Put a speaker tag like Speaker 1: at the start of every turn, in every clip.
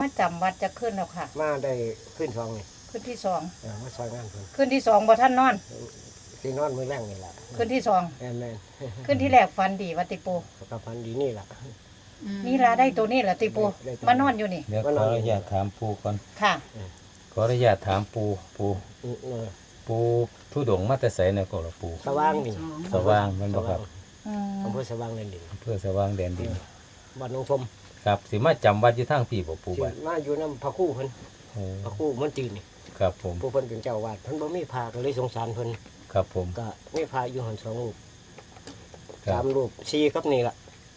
Speaker 1: จำวัดจะขึ้นแล้วค่ะ
Speaker 2: มาได้ขึ้น2นี่
Speaker 1: ขึ้นที่สอง
Speaker 2: มาซอยงานเพิ่น
Speaker 1: ขึ้นที่สองบ่ท่านนอน
Speaker 2: สินอนมื้อแรงนี่ล่ะ
Speaker 1: ขึ้นที่สอง
Speaker 2: แม่น
Speaker 1: ขึ้นที่แรกฝันดีว่าติปู
Speaker 2: ก็พันดีนี่ล่ะ
Speaker 1: นี่ล่ะได้ตัวนี้ล่ะติปูมานอนอยู่นี่
Speaker 3: เดี๋ยวขออนุญาตถามปูก่อน
Speaker 1: ค่ะ
Speaker 3: ขออนุญาตถามปูทุดงมาแต่ไสเนี่ยก็ล่ะปู
Speaker 2: สว่างนี่
Speaker 3: สว่างมันบ่ครับ
Speaker 2: อำเภอสว่างแดนดิน
Speaker 3: อำเภอสว่างแดนดิน
Speaker 2: บ้านหนองชม
Speaker 3: ครับสิมาจำวัดอยู่ทางพี่บ่ปูบัด
Speaker 2: มาอยู่นำพระครูเพิ่นพระครูมันจีนนี่
Speaker 3: ครับผม
Speaker 2: ผู้เพิ่นเป็นเจ้าอาวาสเพิ่นบ่มีพระก็เลยสงสารเพิ่น
Speaker 3: ครับผม
Speaker 2: ก็มีพระอยู่หั่น2รูป3รูป4กับนี่ล่ะ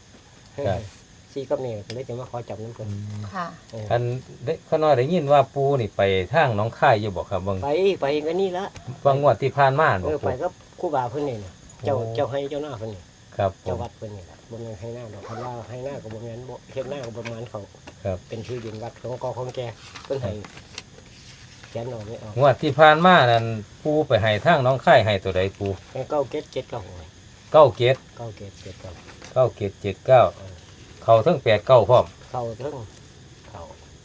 Speaker 2: 4กับนี่ก็เลยจะมาขอจับนำเพิ่น
Speaker 1: ค่ะ
Speaker 3: อันเขาน้อยได้ยินว่าปูนี่ไปทางหนองคายอยู่บ่ครับเบิ่ง
Speaker 2: ไปก็นี่ละ
Speaker 3: บางงวดที่ผ่านมาบ่
Speaker 2: ไปกับครูบาเพิ่นนี่เจ้าให้เจ้าหน้าเพิ่นนี่
Speaker 3: ครับ
Speaker 2: เจ้าวัดเพิ่นนี่ล่ะบ่แม่นให้หน้าดอกคันว่าให้หน้าก็บ่แม่นบ่เฮ็ดหน้าก็ประมาณเขา
Speaker 3: ครับ
Speaker 2: เป็นที่ดินวัดของกของแกเพิ่นให้แขนเอาไม่เอา
Speaker 3: งวดที่ผ่านมานั่นปูไปให้ทางหนองคายให้ตัวใดปู
Speaker 2: ให้977เก้า
Speaker 3: เข้าทั้ง89พร้อม
Speaker 2: เข้าถึงเข้า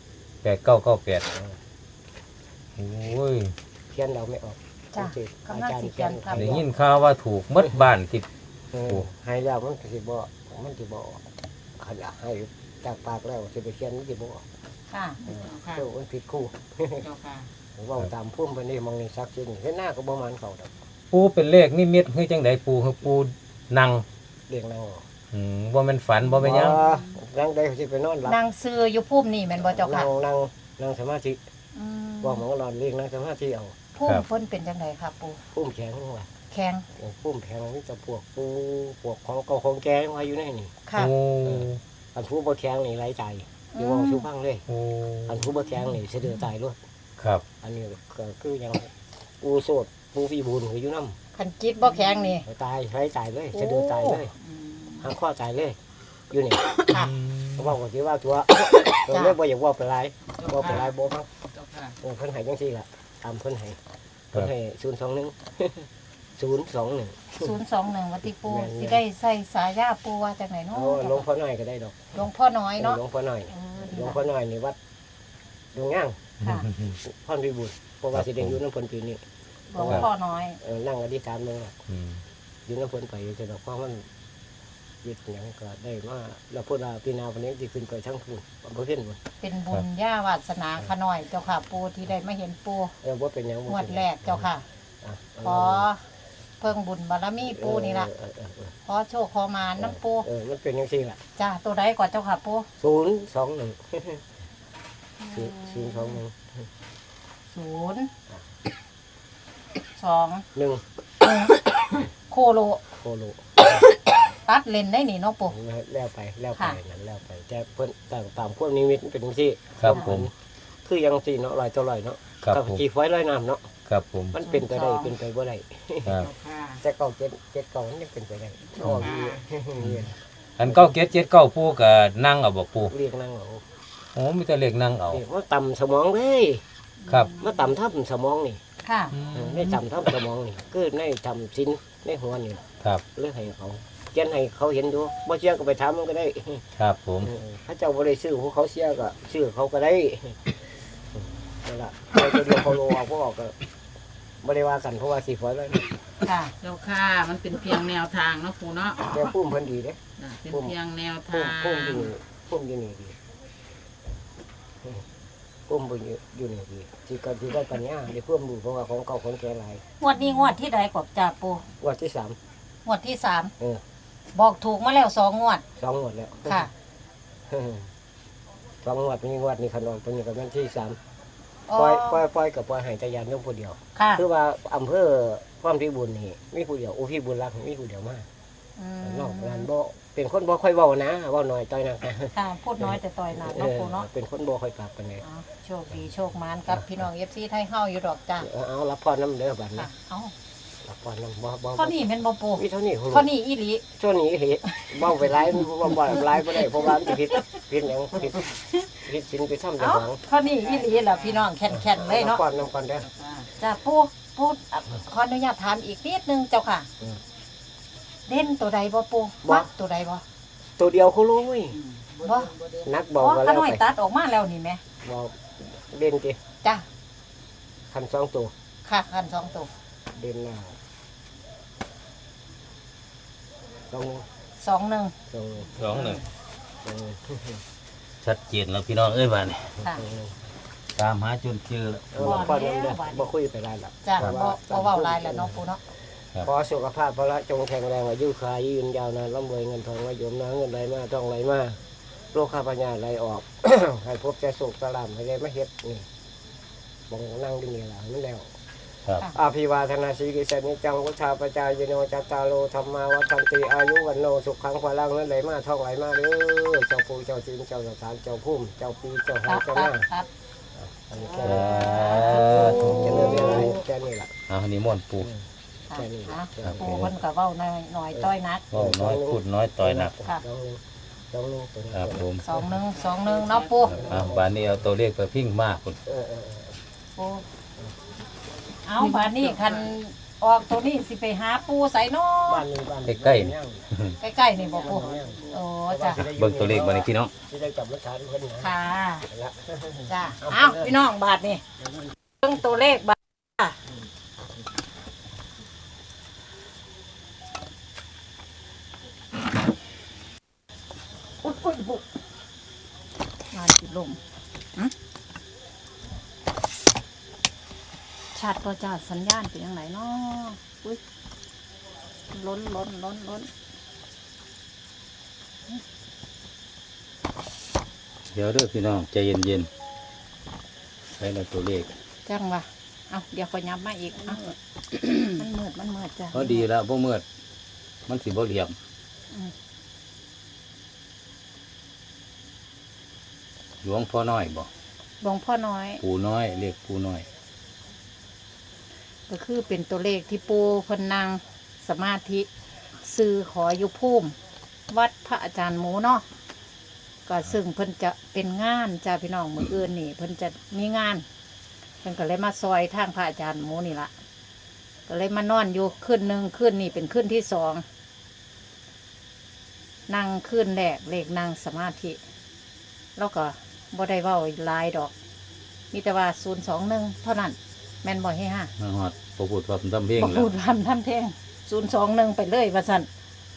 Speaker 3: 8998โอ้ย
Speaker 2: เขียนเราไม่ออก
Speaker 1: จ้ะกำลังสิเขียนครับ
Speaker 3: ได้ยินข่าวว่าถูกหมดบ้านที่
Speaker 2: ให้แล้วมันสิบ่คันให้จากปากแล้วสิไปเขียนมันสิบ่
Speaker 1: ค่ะ
Speaker 2: มันผิดคู่เว้าตามพุ่มไปนี่มองนี่ซักซิเฮ็ดหน้าก็บ่มันเข้าดอก
Speaker 3: ปูเป็นเลขนิมิตคือจังได๋ปูคือปูนั่ง
Speaker 2: เรียกนั่ง
Speaker 3: บ่แม่นฝันบ่แม่นหยัง
Speaker 2: นั่งได้สิไปนอนหลับ
Speaker 1: นั่งซื่ออยู่พุ่มนี่แม่นบ่เจ้าค่ะ
Speaker 2: นั่งสมาธิบ่หมองนอนเรียกนั่งสมาธิเอา
Speaker 1: พุ่มเพิ่นเป็นจังไดครับปู
Speaker 2: พุ่มแข็งว่า
Speaker 1: แข็ง
Speaker 2: พุ่มแข็งมีแต่พวกของเก่าของแก่ว่าอยู่ในนี่
Speaker 1: ค่ะ
Speaker 2: อันผู้บ่แข็งนี่ไร้ใจอยู่ว่าชูฟังเลยอันผู้บ่แข็งนี่สิเดือตายเลย
Speaker 3: ครับ
Speaker 2: อันนี้ก็คือยังปูโสดปูพี่บุญอยู่นำ
Speaker 1: คันจิตบ่แข็งนี่
Speaker 2: ตายไร้ใจเลยสิเดือตายเลยหางข้อตายเลยอยู่นี่ว่าก็สิว่าตัวเรียกบ่อยากว่าไปหลายบ่ไปหลายบ่ฟังเพิ่นให้จังซี่ล่ะตามเพิ่นให้021
Speaker 1: วัติปูสิได้ใส่สายาปูว่าจังไหนเนาะ
Speaker 2: หลวงพ่อน้อยก็ได้ดอก
Speaker 1: หลวงพ่อน้อยเนาะ
Speaker 2: หลวงพ่อน้อยนี่วัดดงย่างพ่อพิบูลเพราะว่าสิได้อยู่นำเพิ่นปีนี้
Speaker 1: หลวงพ่อน้อย
Speaker 2: นั่งอธิษฐานลงอยู่นำเพิ่นไปจะดอกเพราะมันยึดหยังก็ได้มาแล้วพุ่นว่าพี่นาวันนี้สิขึ้นไปทั้งพุ่นบ่เห็นบ่
Speaker 1: เป็นบุญญาวาสนาขน้อยเจ้าค่ะปูที่ได้มาเห็นปู
Speaker 2: บ่เป็นหยัง
Speaker 1: งวดแรกเจ้าค่ะขอเพิ่งบุญบารมีปูนี่ล่ะขอโชคขอมาน้ำปู
Speaker 2: มันเป็นจังซี่ล่ะ
Speaker 1: จ้าตัวใดก่อนเจ้าค่ะปู021โคโลตัดเลนได้นี่เนาะปู
Speaker 2: แล้วไปนั่นแล้วไปแต่เพิ่นตามพวกนิมิตเป็นจังซี่
Speaker 3: ครับผม
Speaker 2: คือยังซี่เนาะลอยต่อลอยเนาะกับกี่ฝอยลอยน้ำเนาะ
Speaker 3: ครับผม
Speaker 2: มันเป็นไปได้เป็นไปบ่ได้
Speaker 3: ครับ
Speaker 2: แต่เก่า7มันยังเป็นไปได้
Speaker 3: อัน9ปูก็นั่งเอาบ่ปู
Speaker 2: เรียกนั่งเอา
Speaker 3: โอ้มีแต่เลขนั่งเอา
Speaker 2: ว่าต่ำสมองเลย
Speaker 3: ครับ
Speaker 2: มาต่ำทับสมองนี่
Speaker 1: ค่ะ
Speaker 2: ในต่ำทับสมองนี่คือในต่ำชิ้นในหัวนี่
Speaker 3: ครับ
Speaker 2: เลือกให้เขาเขียนให้เขาเห็นดูบ่เชื่อก็ไปถามมันก็ได้
Speaker 3: ครับผม
Speaker 2: ถ้าเจ้าบ่ได้ซื้อพวกเขาเชื่อก็ซื้อเขาก็ได้นั่นล่ะเราจะเดียวเขาโลเอาพวกออกก็บ่ได้ว่ากันเพราะว่าสิฝอยเลย
Speaker 1: ค่ะ
Speaker 4: เจ้าค่ะมันเป็นเพียงแนวทางเนาะปู่เนาะ
Speaker 2: แต่พุ่มเพิ่นดีเด้
Speaker 4: เป็นเพียงแนวทาง
Speaker 2: พุ่มอยู่นี่ดีพุ่มอยู่นี่ดีสิก็สิได้ปัญญาได้เพิ่มดูเพราะว่าของเก่าของแก่หลาย
Speaker 1: งวดนี้งวดที่ใดกบจ่าปู่
Speaker 2: งวดที่3
Speaker 1: งวดที่3บอกถูกมาแล้ว2งวด
Speaker 2: 2งวดแล้ว
Speaker 1: ค่ะ
Speaker 2: 2งวดนี้งวดนี้ขนมตัวนี้ก็เป็นที่3ปล่อยกับปล่อยให้ตะยานยมผู้เดียวคือว่าอำเภอความพิบูลนี่มีผู้เดียวพิบูลรักมีผู้เดียวมากนอกนั้นบ่เป็นคนบ่ค่อยเว้านะเว้าน้อยต่อยหนัก
Speaker 1: ค่ะพูดน้อยแต่ต่อยหนักเนาะปู่เนาะ
Speaker 2: เป็นคนบ่ค่อยปากปานใด
Speaker 1: โชคดีโชคมานกับพี่น้อง FC ไทยเฮาอยู่ดอกจ้า
Speaker 2: เอารับพรนำเด้อบัดนี้
Speaker 1: เอา
Speaker 2: รับพรนำบ่
Speaker 1: เท่านี้แม่นบ่ปู่
Speaker 2: มีเท่านี้
Speaker 1: อีหลี
Speaker 2: เท่านี้เฮ็ดเว้าไปหลายบ่หลายบ่ได้เพราะว่ามันผิดหยังผิดศีลไปทำจังหวัง
Speaker 1: เท่านี้อีหลีล่ะพี่น้องแข็งๆเลยเนาะ
Speaker 2: ก่อนนำก่อนเด้อ
Speaker 1: จ้าปู่ขออนุญาตถามอีกนิดนึงเจ้าค่ะเด่นตัวใดบ่ปู่มักตัวใดบ่
Speaker 2: ตัวเดียวเขารู้เว้ย
Speaker 1: บ่
Speaker 2: นักบอก
Speaker 1: ก็แล้วไปตัดออกมาแล้วนี่แม่
Speaker 2: บอกเด่นติ
Speaker 1: จ้ะ
Speaker 2: คันสองตัว
Speaker 1: ค่ะคันสองตัว
Speaker 2: เด่นหน้าสอง
Speaker 1: สองหนึ่ง
Speaker 2: สอง
Speaker 3: สองหนึ่ง
Speaker 2: สอง
Speaker 3: ชัดเจนแล้วพี่น้องเอ้ยบ้านนี่
Speaker 1: ค่ะ
Speaker 3: ตามหาจนเจอแล้ว
Speaker 2: พอเดินเด้อบ่คุยไปได้แล้ว
Speaker 1: จ้ะบ่เว้าหลายแล้วเนาะปูเนาะ
Speaker 2: ขอสุขภาพพระจงแข็งแรงอายุขายยืนยาวนานร่ำรวยเงินทองไว้โยมนะเงินไหลมาต้องไหลมาโรคข้าพญาไหลออก ให้พบใจสุขสลามให้ได้มาเฮ็ดนี่บองนั่งดีนี่ล่ะมันแล้ว
Speaker 3: ครับ
Speaker 2: อาภิวาทนาสีกิเสนิจังวุฒาปจายโนจัตตาโลธรรมาวัฏันติอายุวันโนสุขังพลังนั้นไหลมาท่องไหลมาเด้อเจ้าปู่เจ้าจีนเจ้าสถานเจ้าพุ่มเจ้าปีเจ้า
Speaker 1: ค
Speaker 2: หา
Speaker 1: รับ
Speaker 2: เจ้า
Speaker 1: ค
Speaker 2: ห
Speaker 1: รับ
Speaker 2: น้า
Speaker 1: ครับ
Speaker 2: อันนี้แค่
Speaker 3: สา
Speaker 2: นี้
Speaker 3: ธุ
Speaker 2: จะเริ่มอะไรแค่นี้ล่ะ
Speaker 3: เอานิมนต์ปู่
Speaker 1: ค่ะ
Speaker 2: แค่นี้
Speaker 1: อ่ะ
Speaker 3: ครับ
Speaker 1: ปูเพิ่นก็เว้าหน่อยต้อยนัก
Speaker 3: ก็น้อยพูดน้อยต่อยหนัก
Speaker 1: ค่ะ
Speaker 2: สองหนึ่งตัวนี้
Speaker 3: ครับผม
Speaker 1: สองหนึ่งเนาะปู
Speaker 3: บ้านนี้เอาตัวเลขไปพิ้งมากคุณ
Speaker 1: ปูเอาบาดนี้คันออกตัวนี้สิไปหาปูใส่เนาะ
Speaker 2: บ้านนี้บ้าน
Speaker 3: ใกล้ๆนี่
Speaker 1: ใกล้ๆนี่บ่ปูโอ้จ้ะ
Speaker 3: เบิ่งตัวเลขบ้านนี้พี่น้อง
Speaker 2: ที่ได้จับรักษาเพิ่นนะ
Speaker 1: ค่ะ
Speaker 2: ละ
Speaker 1: จ้ะเอาพี่น้องบาทนี่เรื่องตัวเลขบาทค่ะอุ๊ยอุ๊ยบุกมาจิลมหึชัดตัวจ้าสัญญาณเป็นยังไงเนาะอุ้ยล้น
Speaker 3: เดี๋ยวเด้อพี่น้องใจเย็นๆใช้ในตัวเลข
Speaker 1: จังวะเอาเดี๋ยวขอย้ำมาอีกเอามันมืดจ้ะ
Speaker 3: ก็ดีแล้วพวกเมื่อมันสิบ่เหลี่ยม
Speaker 1: อืม
Speaker 3: หลวงพ่อน้อยบ่
Speaker 1: หลวงพ่อน้อย
Speaker 3: ปู่น้อยเลขปู่น้อย
Speaker 1: ก็คือเป็นตัวเลขที่ปูเพนนังสมาธิซื้อขออยู่ภูมิวัดพระอาจารย์หมูเนาะก็ซึ่งเพิ่นจะเป็นงานจ้าพี่น้องมืออื่นนี่เพิ่นจะมีงานเพิ่นก็เลยมาซอยทางพระอาจารย์หมูนี่ละก็เลยมานอนอยู่คืนหนึ่งคืนนี่เป็นคืนที่สองนั่งคืนแรกเลขนั่งสมาธิแล้วก็บ่ได้เว้าหลายดอก มีแต่ว่า021เท่านั้นแม่นบ่ให้ห้า
Speaker 3: มาฮอดบ่พูดว่าทำเพลง
Speaker 1: บอก
Speaker 3: แล้
Speaker 1: พู
Speaker 3: ว
Speaker 1: ดพันทำเพลง021ไปเลยว่าสั่น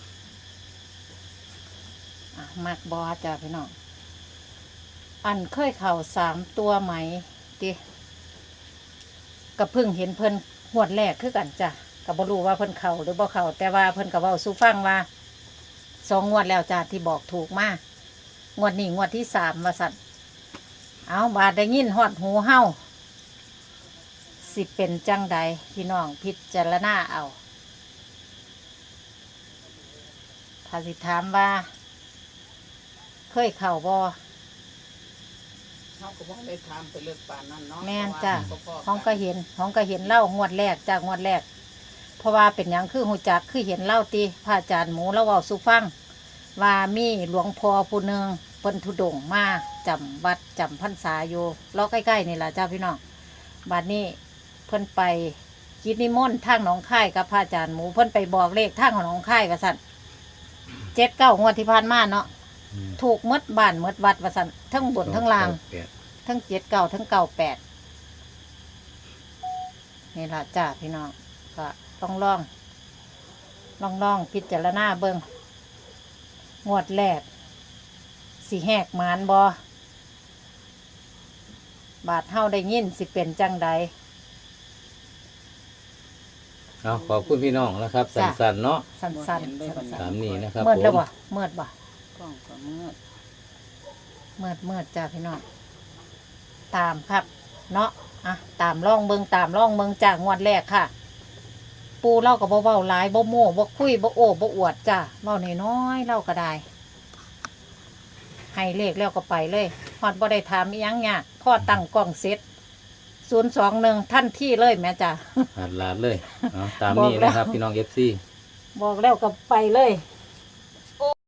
Speaker 1: มากบอจ้าพี่น้องอันเคยเข่า3 ตัวไหมติกับพึ่งเห็นเพิ่นหวดแรกคือกันจ้ะกับ่รู้ว่าเพิ่นเข่าหรือบ่เข่าแต่ว่าเพิ่นกับเว้าสู่ฟังว่า2 งวดแล้วจ้าที่บอกถูกมากงวดนี้งวดที่3ว่าสั่นเอาบาดได้ยินฮอดหูเฮาสิเป็นจังใดพี่น้องพิจารณาเอาถ้าสิถามว่า เคยเข่าบ่
Speaker 4: เขาก็บอกได้ทำไปเลือกป่านนั้นเนาะ
Speaker 1: แม่นจ้ะ
Speaker 4: เพราะว่า
Speaker 1: ห้องก็เห็นเล่างวดแรกจากงวดแรก เพราะว่าเป็นหยังคือหูจักคือเห็นเล่าตีพระอาจารย์หมูแล้วเว้าสู่ฟัง ว่ามีหลวงพ่อผู้หนึ่งเพิ่นธุดงค์มาจำวัดจำพรรษาอยู่ล้อใกล้ๆนี่แหละจ้าพี่น้องบัดนี้เพิ่นไปกิจนิมนต์ทางหนองคายกับพระอาจารย์หมูเพิ่นไปบอกเลขทางของหนองคายว่าซั่น7-9งวดที่ผ่านมาเนาะ ถูกหมดบ้านหมดวัดว่าซั่นทั้งบนทั้งล่าง ทั้ง7-9ทั้ง98นี่ล่ะจ้าพี่น้องก็ต้องลองพิจารณาเบิ่งงวดแรกสิแหกหมานบ่บาดเฮาได้ยินสิเป็นจังใด
Speaker 3: เอาขอบคุณพี่น้องนะครับ สั้นๆเนาะ
Speaker 1: สั้นๆ
Speaker 3: ตามนี้นะครับ
Speaker 1: เมื่อ
Speaker 3: ผ
Speaker 1: แล้ว
Speaker 3: ม
Speaker 1: บ่เมื่อบ่
Speaker 4: กล้องก็มืด
Speaker 1: เมื่อจ้าพี่น้องตามครับเนาะอ่ะตามล่องเบิ่งจากงวดแรกค่ะ ปูเล่ากับเบาๆหลายบ่โม่บ่คุยบ่โอ้บ่อวดจ้าเล่าน้อยๆเล่าก็ได้ให้เลขแล้วก็ไปเลยฮอดบ่ได้ถามอีหยังยากพ่อตั้งกล้องเสร็จ021ท่านที่เลยแม่จ้า
Speaker 3: หัดลาดเลยเอาตามนี้นะครับพี่น้อง FC
Speaker 1: บอกแล้วก็ไปเลย